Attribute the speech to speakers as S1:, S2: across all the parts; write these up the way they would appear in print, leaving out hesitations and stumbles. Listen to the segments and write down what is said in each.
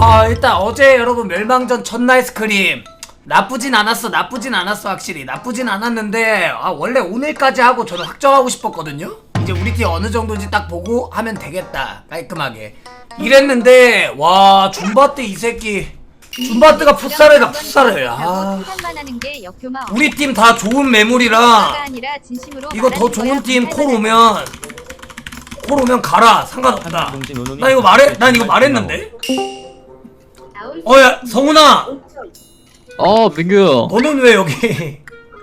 S1: 일단 어제 여러분 멸망전 첫날 스크림 나쁘진 않았어 확실히 나쁘진 않았는데 원래 오늘까지 하고 저는 확정하고 싶었거든요. 이제 우리 팀 어느 정도인지 딱 보고 하면 되겠다 깔끔하게 이랬는데 와 줌바트 이 새끼 줌바트가 풋살해라 풋살해. 우리 팀 다 좋은 매물이라 이거 더 좋은 팀 콜 오면 가라 상관없다. 난 이거 말했는데. 야 성훈아.
S2: 민규.
S1: 너는 왜 여기?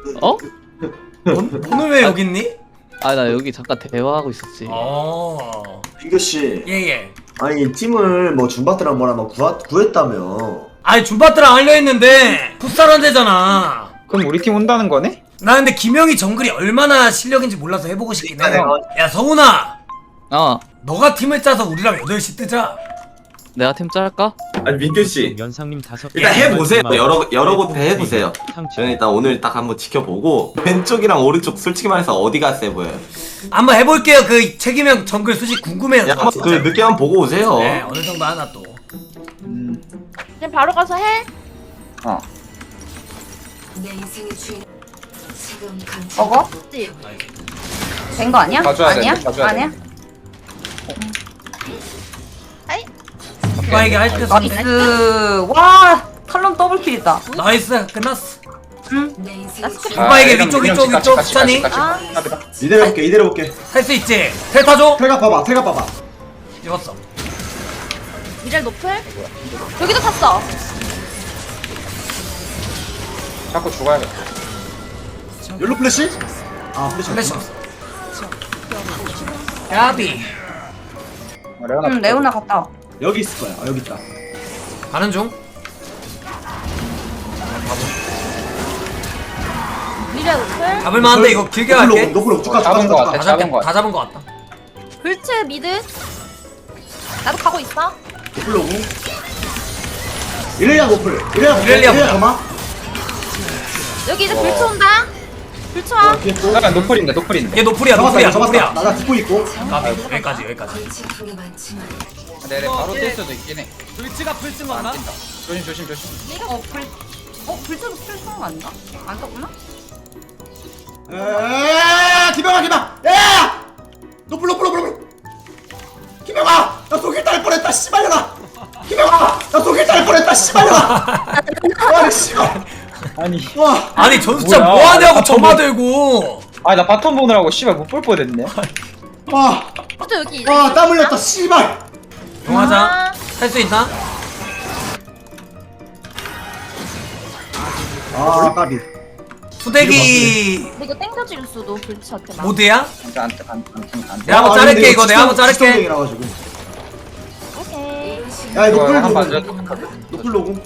S1: 너는 왜 여기 있니?
S2: 나 여기 잠깐 대화하고 있었지.
S3: 민규씨.
S1: 예예.
S3: 아니 팀을 뭐 줌바트랑 뭐랑 뭐 구했다며.
S1: 아니 줌바트랑 하려 했는데 풋살한 데잖아.
S4: 그럼 우리 팀 온다는 거네?
S1: 나 근데 김영희 정글이 얼마나 실력인지 몰라서 해보고 싶긴 해. 야 성훈아. 너가 팀을 짜서 우리랑 8시 뜨자.
S2: 내가 팀 짤까?
S5: 아니 민규씨
S6: 연상님 5개
S5: 일단 해보세요. 여러 곳 해보세요. 저는 일단 오늘 딱 한번 지켜보고 왼쪽이랑 오른쪽 솔직히 말해서 어디가 세 보여요?
S1: 한번 해볼게요. 그 책임형 정글 솔직히 궁금해요.
S5: 한번 그 늦게 한번 보고 오세요.
S1: 네 어느 정도 하나 또.
S7: 그냥 바로 가서 해.
S8: 먹어? 된 거 아니야?
S4: 봐줘야
S8: 아니야?
S4: 돼, 봐줘야
S8: 아니야?
S1: 오빠에게 할 때.
S8: 나이스. 와 탈론 더블킬이다.
S1: 나이스 끝났어.
S7: 나 스크린.
S1: 오빠에게 위쪽 수찬이
S3: 이대로 볼게 이대로 볼게.
S1: 할 수 있지. 텔 타줘.
S3: 탈각 봐봐.
S1: 찍었어.
S7: 미랄 노플. 여기도 탔어.
S4: 자꾸 죽어야겠다.
S3: 옐로 플래시? 플래시
S1: 플래시
S3: 없어.
S1: 없어. 야비.
S8: 레오나 갔다 와.
S3: 여기 있을 거야. 여기 있다.
S1: 가는 중.
S7: 미랄 노플.
S1: 잡을만한데 이거 길게 갈게.
S3: 노플로 쭉 가.
S4: 잡은 거 같아.
S1: 다 잡은 거 같다.
S7: 불츠 미드. 나도 가고 있어.
S3: 노플로 오고. 이렐리아 노플.
S1: 이렐리아 보자.
S3: 가마.
S7: 여기 이제 불츠 온다. 불츠 와.
S4: 잠깐 노플인데.
S1: 얘 노플이야.
S3: 잡았다. 나 듣고 있고.
S1: 여기까지.
S4: 네네 바로 뜰 수도 있긴 해.
S1: 불치가 풀쓴 거 하나?
S4: 조심.
S8: 불쳐도 풀성 아닌가? 안 떴구나?
S3: 김영아. 야! 노플. 김영아, 나 독일 딸 뻔했다. 씨발려라. 김영아, 나 독일 딸 뻔했다. 씨발려라. 와, 씨발.
S4: 아니.
S3: 와.
S1: 아니 저 진짜
S4: 뭐야?
S1: 뭐하냐고 점화 들고.
S4: 나 바텀 보느라고 씨발 못 볼 뻔했네.
S3: 와.
S7: 불츠 여기.
S3: 땀 흘렸다. 씨발.
S1: 용하자. 할 수 있나?
S3: 까비.
S1: 후대기
S7: 이거 땡겨질 수도 불츠한테 막.
S1: 모드야?
S4: 안.
S1: 내가 한번 자를게 이거. 내가 한번 자를게.
S7: 오케이.
S3: 야, 노플
S4: 한 번.
S3: 노플 로고.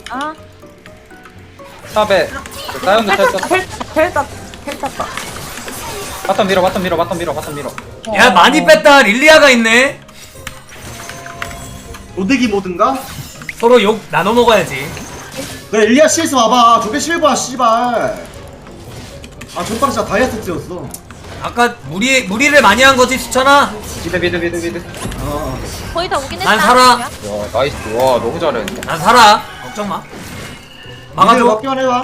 S4: 탑에 사연도 쳤어.
S8: 텔 땄다.
S4: 바텀 밀어.
S1: 야 많이 뺐다. 릴리아가 있네.
S3: 로데기 모든가?
S1: 서로 욕 나눠 먹어야지.
S3: 그래, 일리아 CS 와봐. 저게 실버야, 씨발. 전파는 진짜 다이아트였어.
S1: 아까 무리를 많이 한 거지 수찬아.
S4: 미드.
S7: 거의 다 오긴 했다.
S1: 난 살아.
S4: 와 나이스. 와 너무 잘했는데.
S1: 난 살아. 걱정 마. 막아줘.
S3: 막기만 해봐.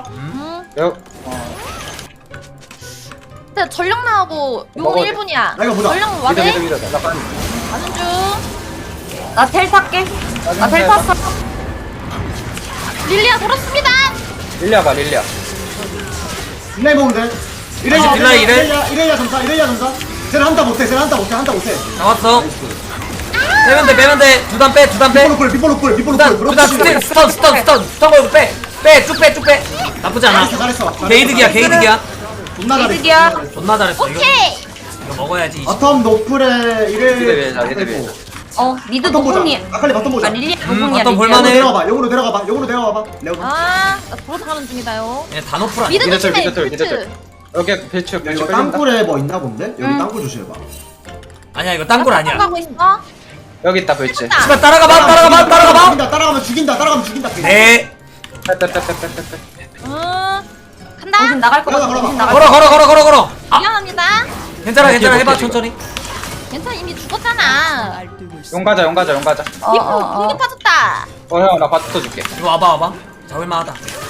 S7: 근데 전력 나오고 용
S4: 먹어야 돼.
S7: 1분이야.
S3: 나 이거 보자.
S7: 전력 와대.
S4: 미드. 나 빨리.
S7: 가는 중.
S8: 나 텔 탈게. 나 텔 탔어.
S7: 릴리아 돌았습니다.
S4: 릴리아 봐.
S3: 딜라이 보면 돼. 이렐리아 점사. 쟤는 한타 못해.
S1: 나왔어. 빼면 돼. 두단 빼.
S3: 비포 노플.
S1: 두단 스턴 걸고 빼. 쭉 빼. 나쁘지 않아.
S3: 잘했어.
S1: 게이득이야.
S3: 존나 잘했어.
S8: 이득이야.
S1: 존나 잘했어.
S7: 오케이.
S1: 이거 먹어야지.
S3: 바텀 노플에
S4: 미드.
S8: 미드
S3: 바텀 보자.
S8: 노공이.
S3: 아칼리 바텀 보자.
S8: 릴리아 노공이야.
S1: 바텀
S8: 릴리아.
S1: 볼만해.
S3: 영으로 내려가봐. 레오.
S7: 나 돌아가는 중이다요.
S1: 얘 다 노플 아니야.
S7: 미드
S4: 미드
S7: 조심해.
S4: 털.
S7: 불츠.
S4: 여기 배추
S3: 이거
S4: 끌린다.
S3: 땅굴에 뭐 있나 본데? 여기 땅굴 조심해봐.
S1: 아니야 이거 딴골 아니야.
S7: 가고 있어.
S4: 여기 있다 배추.
S1: 씨발 따라가봐.
S3: 죽인다.
S1: 네.
S4: 빼빼빼빼빼빼.
S7: 간다.
S8: 당신 나갈 거 같아.
S3: 걸어봐.
S8: 당신 나갈 거
S1: 걸어.
S7: 미안합니다.
S1: 괜찮아 해봐 천천히.
S7: 괜찮아 이미 죽었잖아.
S4: 용 가자 용 가자 용 가자.
S7: 공격 빠졌다.
S4: 형 나 바트 줄게.
S1: 이거 와봐 잡을만하다.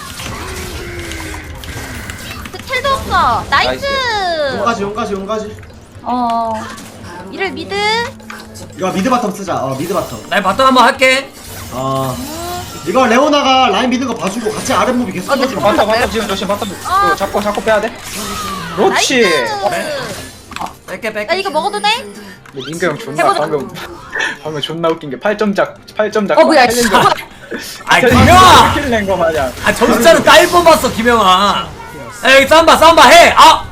S7: 그 텔도 없어. 나이스.
S3: 용가지.
S7: 이를 미드.
S3: 이거 미드 바텀 쓰자. 미드 바텀.
S1: 나 바텀 한번 할게.
S3: 이거 레오나가 라인 미는 거 봐주고 같이 아랫무비 계속 써주고.
S4: 바트 지금 조심 바트. 이거 잡고 빼야 돼. 그렇지.
S1: 뺄게.
S7: 나 이거 먹어도 돼?
S4: 근데 민규 형 존나
S8: 해보자.
S4: 방금 존나 웃긴 게 8점
S8: 뭐야, 씨.
S1: 아 김영아.
S4: 킬낸거 마냥.
S1: 아 점수차는 딸 뽑았어 김영아. 에이 싸움봐 해.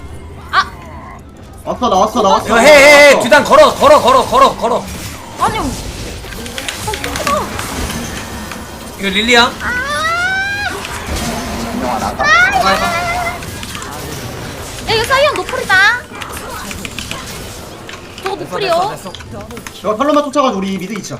S3: 나왔어.
S1: 이거 해. 뒤단 걸어.
S7: 아니.
S1: 이거 릴리야.
S4: 민영아 나가.
S7: 야 이거 사이언 노플이다. 저거 노플이요.
S1: 됐어.
S3: 이거 팔로만 쫓아가지고 우리 미드 있자.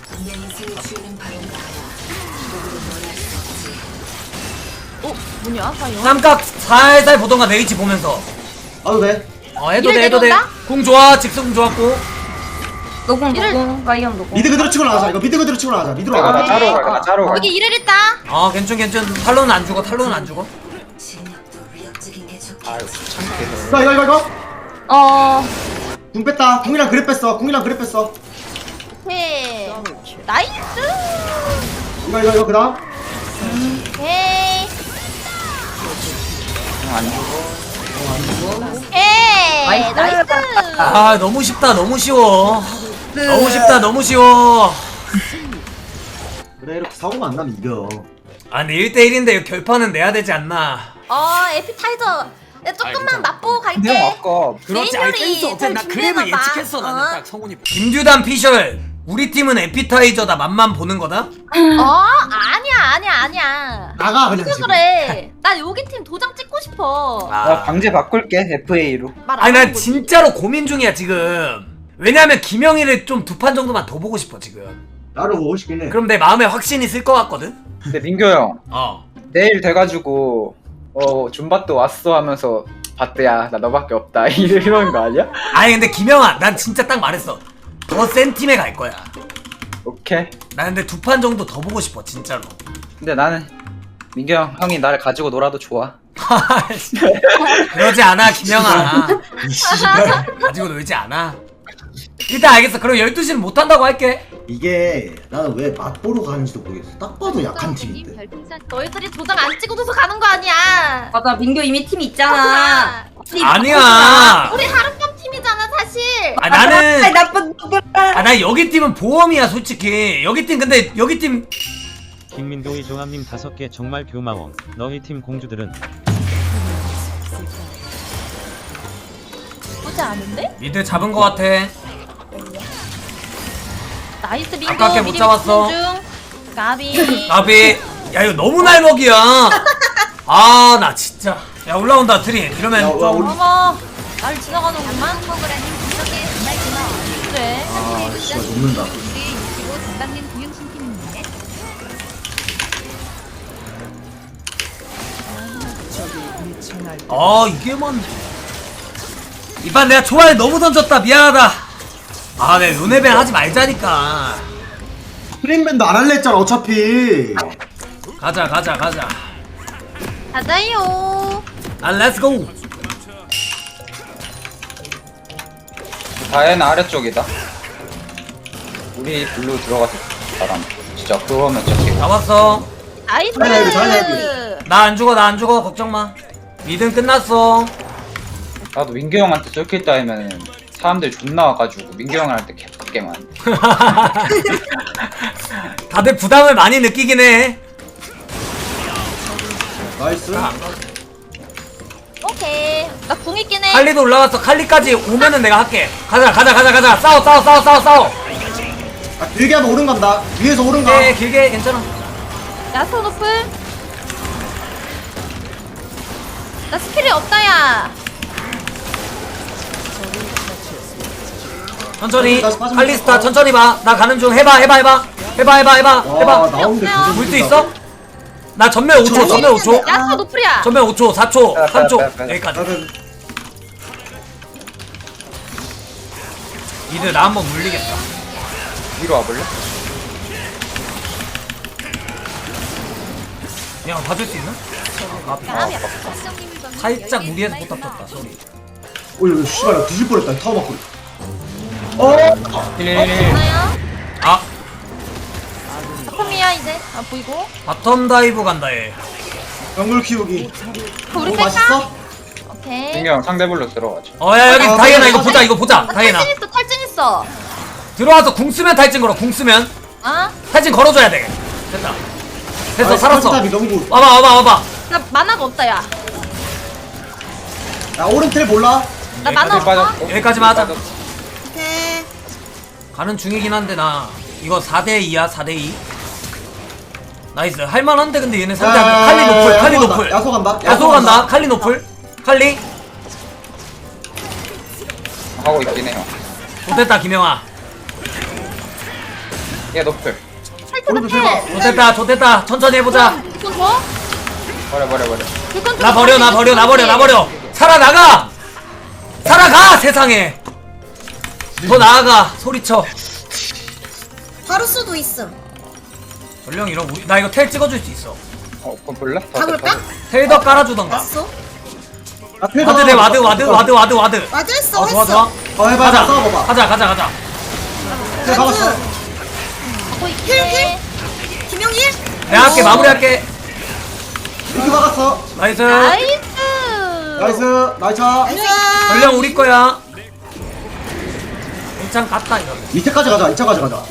S7: 뭐냐 사이언?
S1: 삼각 살살 보던가 내 위치 보면서.
S3: 가도 돼.
S1: 해도
S7: 이를
S1: 돼.
S7: 내려온다?
S1: 궁 좋아. 직수궁 좋았고.
S8: 노공 라이언 노공.
S3: 미드 그대로 치고 나가자. 이거 미드 그대로 치고 나가자. 미드로
S4: 나
S3: 나가.
S4: 자로 가.
S7: 여기 이를 있다.
S1: 괜찮. 탈론은 안 죽어.
S4: 아유 참게.
S3: 이거. 궁 뺐다. 궁이랑 그랩 뺐어.
S7: 오케이. 나이스.
S3: 이거 그다음.
S7: 오케이.
S4: 안 죽어.
S7: 오케이. 나이스.
S1: 너무 쉽다. 너무 쉬워. 너무 쉬워.
S3: 그래 이렇게 사고만 안 나면 이겨.
S1: 근데 1대1인데 결판은 내야 되지 않나.
S7: 에피타이저. 야, 조금만 맛보고 갈게.
S4: 근데 형 아까
S1: 그렇지.
S7: 메인요리 잘 준비해놔봐.
S1: 성훈이. 김규단 피셜. 우리 팀은 에피타이저다. 맛만 보는 거다.
S7: 아니야.
S3: 나가 그냥
S7: 왜
S3: 지금.
S7: 그래? 나 여기 팀 도장 찍고 싶어.
S4: 나 방제 바꿀게 FA로.
S1: 난 진짜로 고민 중이야 지금. 왜냐면 김영희를 좀 두 판 정도만 더 보고 싶어 지금.
S3: 나를 보고 싶긴 해.
S1: 그럼 내 마음에 확신이 쓸 것 같거든.
S4: 근데 민규 형 내일 돼가지고 준바또 왔어 하면서 바트야 나 너밖에 없다 이런 거 아니야?
S1: 근데 김영아, 난 진짜 딱 말했어. 더 센 팀에 갈 거야.
S4: 오케이.
S1: 나 근데 두 판 정도 더 보고 싶어 진짜로.
S4: 근데 나는 민규 형이 나를 가지고 놀아도 좋아.
S1: 그러지 않아 김영아. 가지고 놀지 않아. 일단 알겠어. 그럼 12시는 못한다고 할게.
S3: 이게 나는 왜 맛보러 가는지도 모르겠어. 딱 봐도 약한 팀인데.
S7: 너희들이 도장 안 찍어줘서 가는 거 아니야.
S8: 맞아, 민규 이미 팀 있잖아.
S1: 아니야.
S7: 우리 하룻밤 팀이잖아 사실.
S1: 나는
S8: 나쁜 놈들.
S1: 나 여기 팀은 보험이야 솔직히. 여기 팀 근데 여기 팀
S6: 김민도희 종합님 5개 정말 교마워. 너희 팀 공주들은
S7: 보지 않은데?
S1: 미드 잡은 거 같아.
S7: 나이스 민규.
S1: 아깝게 못
S7: 미리
S1: 잡았어.
S7: 집중 중. 가비.
S1: 나비. 야 이거 너무 날먹이야. 나 진짜. 야 올라온다 트리. 이러면 좀.
S7: 어머. 날 지나가는구만. 그래.
S3: 진짜 녹는다.
S1: 이게만. 이판 내가 초반에 너무 던졌다. 미안하다. 내 요네벤 하지 말자니까.
S3: 프레임밴드 안 할래 했잖아 어차피.
S1: 가자.
S7: 가자요.
S1: 렛츠고.
S4: 다혜는 아래쪽이다. 우리 블루 들어가서 바람. 진짜 그러면 저기.
S1: 잡았어.
S7: 나이스.
S3: 잘해.
S1: 나 안 죽어. 걱정 마. 미드는 끝났어.
S4: 나도 민규 형한테 쏠킬 따이면 사람들이 존나 와가지고 민규 형한테 개빡게만.
S1: 다들 부담을 많이 느끼긴 해.
S3: 나이스.
S7: 오케이. 나 궁 있긴 해.
S1: 칼리도 올라갔어. 칼리까지 오면은 내가 할게. 가자. 싸워.
S3: 길게 하면 오른 간다. 위에서 오른 가.
S1: 길게 괜찮아.
S7: 야스 노플. 나 스킬이 없다 야.
S1: 천천히.
S3: 다시 빠지면
S1: 칼리스타
S3: 돼.
S1: 천천히 봐. 나 가는 중. 해봐.
S3: 나오는데
S7: 없어요.
S1: 볼 수 있어? 나 전멸 5초.
S7: 야스 노플이야.
S1: 전멸 5초, 4초,
S4: 빼,
S1: 3초.
S4: 빼.
S1: 여기까지. 미드 나 한번 물리겠다.
S4: 위로 와볼래?
S1: 그냥 봐줄 수 있나? 살짝 무리해서 못 잡혔다 소리.
S3: 어이 씨발 나 뒤질 뻔했다 타워 맞고.
S7: 있나요?
S1: 아
S7: 작품이야 이제. 아 보이고.
S1: 바텀 다이브 간다 얘.
S3: 정글 키우기.
S7: 우리
S3: 오
S7: 뺄까?
S3: 맛있어?
S7: 오케이.
S4: 민경 상대불로 들어가자.
S1: 야 여기
S3: 아,
S1: 다이애나
S3: 맞아,
S1: 이거
S3: 맞아.
S1: 보자 이거 보자 다이애나.
S7: 탈진 있어 탈진 있어.
S1: 들어와서 궁 쓰면 탈진 걸어 궁 쓰면
S7: 아?
S1: 탈진 걸어줘야 돼. 됐다. 됐어 살았어.
S3: 답이 너무 goed.
S1: 와봐.
S7: 나 만화가 없다 야.
S3: 야 오른텔 몰라?
S7: 나 만화
S4: 여기까지
S7: 없어.
S4: 빠졌고.
S1: 여기까지만 하자.
S7: 오케이.
S1: 가는 중이긴 한데 나 이거 4대2야 4대2. 나이스 할만한데 근데 얘네 상대 칼리 노플 칼리 노플
S3: 야소 간다.
S1: 야소 간다 칼리 노플 칼리
S4: 하고 있긴 해요.
S1: 못됐다 김영아
S4: 얘 노플.
S3: 오른쪽 제발.
S1: 좋됐다 천천히 해보자.
S7: 이건 더?
S4: 버려.
S7: 이건
S1: 나 버려 살아가 세상에 더 나아가 소리쳐.
S7: 바로 수도 있음.
S1: 전령 이런 우리 나 이거 텔 찍어줄 수 있어.
S4: 그럼 볼래?
S7: 가볼까?
S1: 텔더 깔아주던가.
S7: 왔어?
S1: 와드 대 와드
S7: 맞았어.
S1: 좋아
S3: 해봐
S1: 가자
S3: 싸워봐봐.
S1: 가자
S3: 텔 박았어.
S7: 힐. 김영일.
S1: 내가 할게 마무리할게.
S3: 이렇게 박았어.
S1: 나이스
S3: 나이스.
S1: 전령 우리 거야. 일장 갔다 이러면
S3: 밑에까지 가자. 2차까지 가자.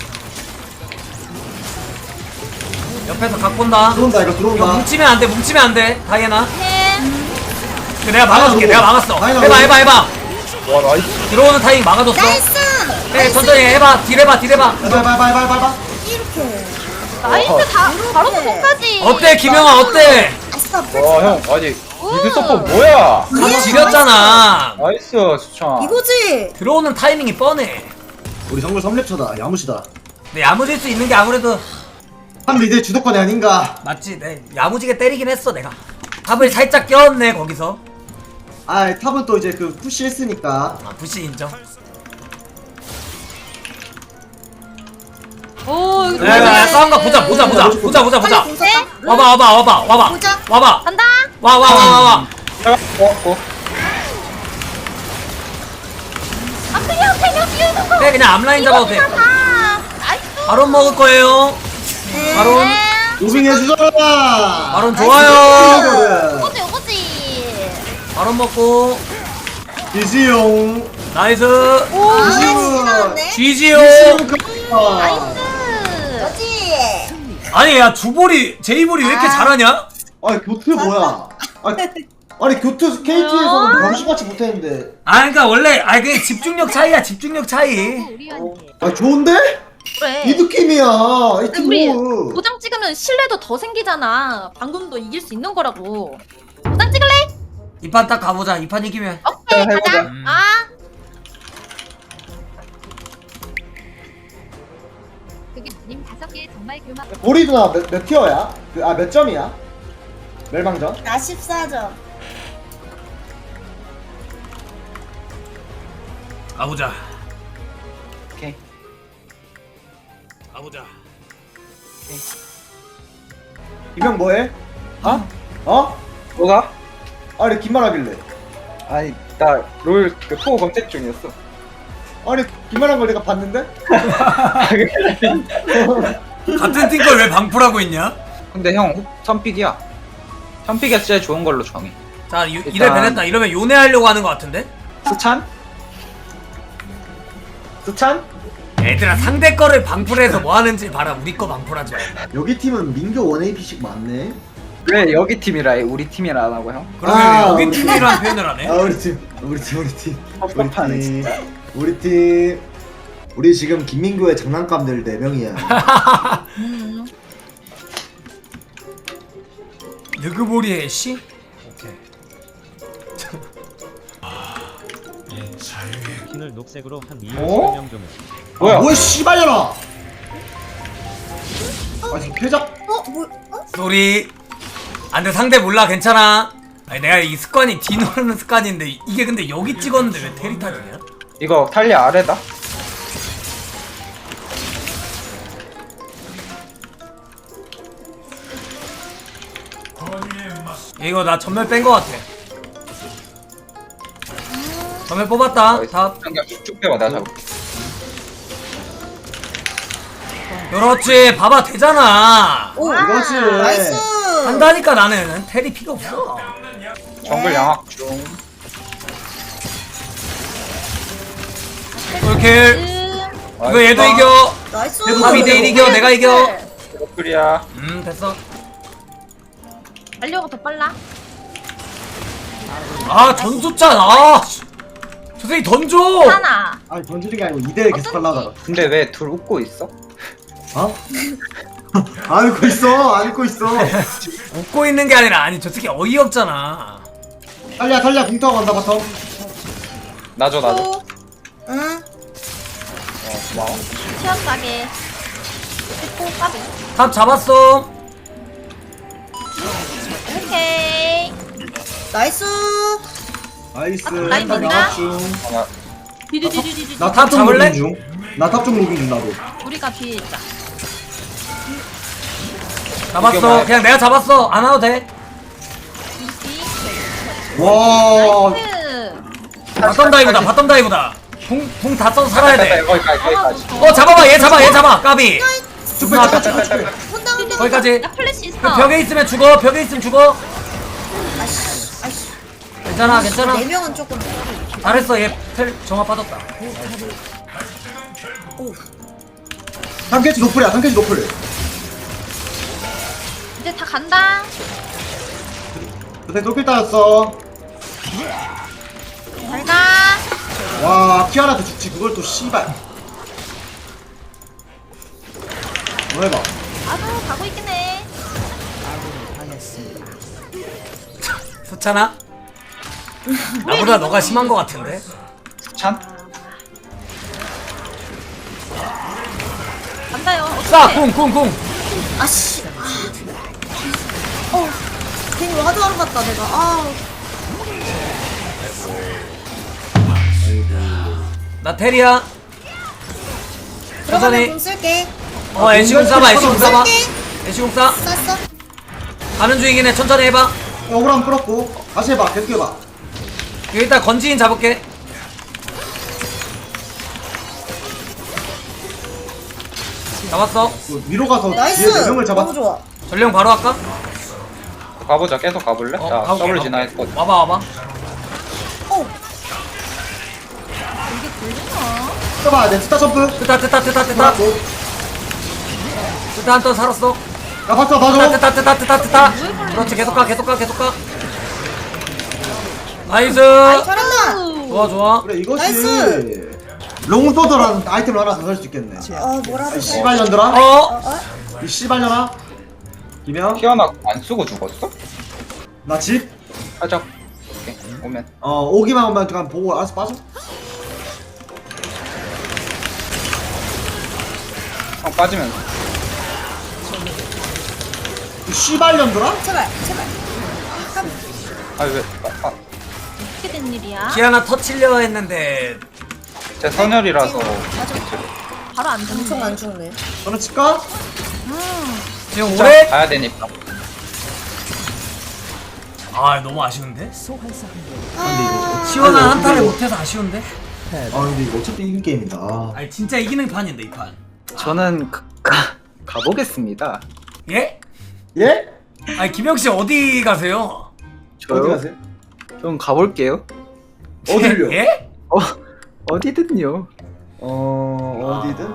S1: 옆에서 각 본다.
S3: 들어온다 이거
S1: 이거
S3: 들어온다.
S1: 뭉치면 안돼 다이애나.
S7: 해.
S1: 그 내가 막아줄게. 내가 막았어.
S3: 다이애나
S1: 해봐.
S4: 와 나이스.
S1: 들어오는 타이밍 막아줬어. 해 천천히 해봐. 딜 해봐.
S3: 해봐.
S7: 나이스 다 바로 수고까지.
S1: 어때 김영아 어때?
S4: 와 형 아니 미드 서포 뭐야?
S1: 각 지렸잖아.
S4: 나이스 수찬.
S7: 이거지.
S1: 들어오는 타이밍이 뻔해.
S3: 우리 정글 3렙차다. 야무시다.
S1: 근데 야무질 수 있는 게 아무래도
S3: 한 미드 주도권이 아닌가.
S1: 맞지. 내 야무지게 때리긴 했어 내가. 탑을 살짝 껴었네 거기서.
S3: 아 탑은 또 이제 그 푸시 했으니까.
S1: 아 부시 인정.
S7: 오.
S1: 야 싸운 거 보자.
S7: 네.
S1: 와봐.
S7: 보자.
S1: 와봐.
S7: 간다.
S1: 와.
S4: 왔고.
S7: 아 그냥 끼우는 거.
S1: 그래 그냥 앞라인 잡아도 돼.
S7: 나이스.
S1: 바론 먹을 거예요. 바론.
S3: 무빙 해주잖아.
S1: 바론 좋아요.
S7: 이거지.
S1: 바론 먹고.
S3: 이지용.
S1: 나이스.
S3: 이지용.
S1: 쥐지요.
S7: 나이스.
S1: 아니 야 주볼이 제이볼이 왜 이렇게 잘하냐?
S3: 아니 교트 뭐야? 아니 교트 KT에서는 병신같이 못했는데.
S1: 그러니까 원래 그게 집중력 차이야 집중력 차이.
S3: 아 좋은데?
S7: 그래.
S3: 이 느낌이야. 이
S7: 우리
S3: 팀은.
S7: 도장 찍으면 신뢰도 더 생기잖아. 방금도 이길 수 있는 거라고. 도장 찍을래?
S1: 이 판 딱 가보자. 이 판 이기면.
S7: 오케이
S4: 해보자.
S7: 가자. 아.
S9: 님 5개 정말 교마.
S3: 보리 누나 몇 티어야? 몇 점이야? 멸망전?
S7: 나 14점.
S1: 가보자.
S4: 오케이.
S1: 가보자.
S3: 이명 뭐해? 어?
S4: 뭐가?
S3: 아니 긴말 하길래.
S4: 아니 나 롤 그 포 검색 중이었어.
S3: 아니 긴말한 걸 내가 봤는데?
S1: 같은 팀 걸 왜 방풀하고 있냐?
S4: 근데 형 선픽이야. 선픽이 진짜 좋은 걸로 정해.
S1: 자 이래 베냈다. 이러면 요네하려고 하는 것 같은데?
S4: 수찬?
S3: 수찬?
S1: 얘들아 상대 거를 방풀해서 뭐 하는지 봐라. 우리 거 방풀하지 말고.
S3: 여기 팀은 민교 1AP씩 많네.
S4: 왜 여기 팀이라 해? 우리 팀이라 안 하고 형?
S1: 그러면
S3: 아,
S1: 여기
S3: 우리
S1: 팀이란 표현을 하네.
S3: 우리 팀. 우리 지금 김민교의 장난감들 4명이야.
S1: 느그보리의 씨? 오케이.
S6: 스킨을 녹색으로 한 이유
S3: 어?
S6: 설명 좀 해.
S4: 뭐야?
S3: 뭐야 씨발려라. 아 지금 패작.
S1: 소리. 안돼 상대 몰라 괜찮아. 아니 내가 이 습관이 뒤 누르는 습관인데 이게 근데 여기 찍었는데 왜 테리타지냐?
S4: 이거 탈리아 아래다?
S1: 이거 나 전멸 뺀 거 같아. 전멸 뽑았다. 다
S4: 그냥 쭉 빼봐 내가 잡을게.
S1: 그렇지. 봐봐 되잖아.
S8: 오
S3: 이거지.
S8: 나이스.
S1: 한다니까 나는 테리 피가 없어.
S4: 정글 양악 중.
S1: 꿀킬. 이거 얘도 이겨.
S8: 나이스.
S1: 3대1 이겨. 내가 이겨.
S4: 그리야.
S1: 됐어.
S7: 달려가 더 빨라.
S1: 아 전수찬. 아 저 새끼 던져.
S7: 하나.
S3: 아니 던지는 게 아니고 2대1 계속 하려다가.
S4: 근데 왜 둘 웃고 있어?
S3: 어? 안 웃고 있어. 안 웃고 있어.
S1: 웃고 있는 게 아니라 아니 저 새끼 어이없잖아.
S3: 탈리야 궁타고 간다 바텀.
S4: 나줘.
S8: 응.
S4: 고마워.
S7: 치열하게. 됐고 까비.
S1: 탑 잡았어.
S7: 오케이.
S8: 나이스.
S3: 나이스.
S7: 라인
S3: 탑
S7: 맞나?
S3: 양악 중.
S4: 하나.
S7: 디디디디디디.
S3: 나
S1: 탑
S3: 탑좀
S1: 잡을래?
S3: 로빙 중. 나 탑 좀 로빙 중 나도.
S7: 우리가 뒤에 있자.
S1: 잡았어. 그냥 내가 잡았어. 안 와도 돼.
S7: 이지.
S3: 와.
S7: 나이스.
S1: 바텀 다이브다. 바텀 다이브다. 궁다 써서 살아야 돼.
S4: 거기까지.
S1: 잡아봐. 얘 잡아. 까비.
S3: 쭉 빼.
S8: 혼다 혼다.
S1: 거기까지.
S7: 나 플래시 있어.
S1: 그 벽에 있으면 죽어. 벽에 있으면 죽어.
S8: 아이씨. 아이씨.
S1: 괜찮아. 괜찮아.
S8: 4명은 조금.
S1: 잘했어. 얘 텔 정화 빠졌다.
S3: 상캐치 노플이야. 상캐치 노플.
S7: 이제 다 간다.
S3: 그때 노플 따였어.
S7: 잘 가.
S3: 와 키아나한테 죽지. 그걸 또 씨발. 뭐 해봐.
S7: 나도 가고 있긴 해.
S1: 수찬아? 나보다 너가 심한 거 같은데?
S4: 찬?
S7: 간다요.
S1: 쏴!
S7: 어떡해.
S1: 쿵!
S8: 아씨. 괜히 화도하러 갔다 내가. 아.
S1: 나 테리야.
S8: 들어가면
S1: 천천히.
S8: 공 쓸게.
S1: 애쉬궁 쏴봐. 애쉬궁 쏴봐.
S8: 쓸게.
S1: 애쉬궁 쏴.
S8: 쐈어.
S1: 가는 중이긴 해. 천천히 해봐.
S3: 억울함 끌었고. 다시 해봐. 계속 해봐.
S1: 여기 일단 건지인 잡을게. 잡았어.
S3: 그 위로 가서
S8: 나이스.
S3: 뒤에 4명을 잡아.
S8: 너무 좋아.
S1: 전령 바로 할까?
S4: 가보자. 계속 가볼래? 나
S1: 가볼게,
S4: 더블
S1: 가볼게.
S4: 진화했거든.
S1: 와봐.
S7: 이게 걸리나?
S3: 써봐. 내 스타 점프.
S1: 뜨다.
S3: 들어갔고.
S1: 뜨다 한 턴 살았어.
S3: 나 봤어. 봐줘.
S1: 뜨다. 그렇지. 계속 가. 나이스.
S8: 잘한다.
S1: 좋아.
S3: 그래 이것이
S8: 나이스.
S3: 롱소드라는 아이템을 하나 더 살 수 있겠네.
S8: 뭐라도 해.
S3: 씨발년들아. 이 씨발년아. 김영.
S4: 키아나 안 쓰고 죽었어?
S3: 나 집.
S4: 살짝. 오케이. 오면.
S3: 오기만 오면 그냥 보고 알아서 빠져.
S4: 빠지면.
S3: 이 씨발년들아.
S8: 제발.
S4: 왜?
S7: 어떻게 된 일이야?
S1: 기아나 터치려 했는데
S4: 제 선열이라서.
S7: 바로 안
S8: 엄청
S7: 죽네.
S8: 안 죽네.
S3: 저는 칠까?
S1: 지금
S4: 진짜
S1: 오래?
S4: 가야 되니까.
S1: 아 너무 아쉬운데?
S8: 아.
S1: 시원한 한타를 못해서 아쉬운데?
S3: 근데 이거 어차피 이긴 게임이다.
S1: 아니 진짜 이기는 판인데 이 판.
S4: 저는 가보겠습니다.
S1: 예?
S3: 예?
S1: 아니 김영씨 어디 가세요?
S3: 어디 가세요?
S4: 좀 가볼게요.
S3: 어딜요?
S1: 예?
S4: 어디든요.
S3: 어디든?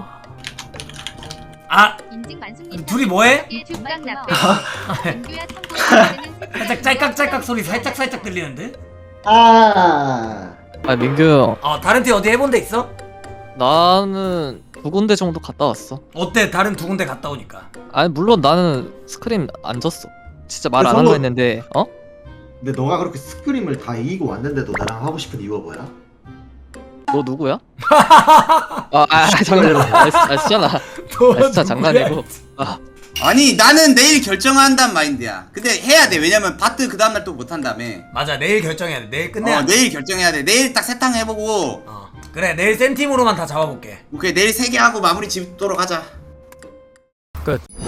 S1: 아
S9: 인증 만수님
S1: 둘이 뭐해?
S9: 정말 나쁘. 민규야 참고로
S1: 살짝 짤깍짤깍 소리 살짝 들리는데?
S3: 아
S2: 민규
S1: 다른 팀 어디 해본 데 있어?
S2: 나는 2군데 정도 갔다 왔어.
S1: 어때? 다른 두 군데 갔다 오니까.
S2: 아니 물론 나는 스크림 안 졌어. 진짜 말 안 한
S3: 그래서
S2: 거 했는데
S3: 근데 너가 그렇게 스크림을 다 이기고 왔는데도 나랑 하고 싶은 이유가 뭐야?
S2: 너 누구야? 장난. 진짜 진짜 장난이고.
S10: 아니 나는 내일 결정한단 마인드야. 근데 해야 돼. 왜냐면 바트 그 다음날 또 못한다며.
S1: 맞아 내일 결정해야 돼. 내일 끝내야 돼.
S10: 내일 결정해야 돼. 내일 딱 세탕 해보고.
S1: 그래 내일 센 팀으로만 다 잡아볼게.
S10: 오케이 내일 3개 하고 마무리 짓도록 하자.
S1: 끝.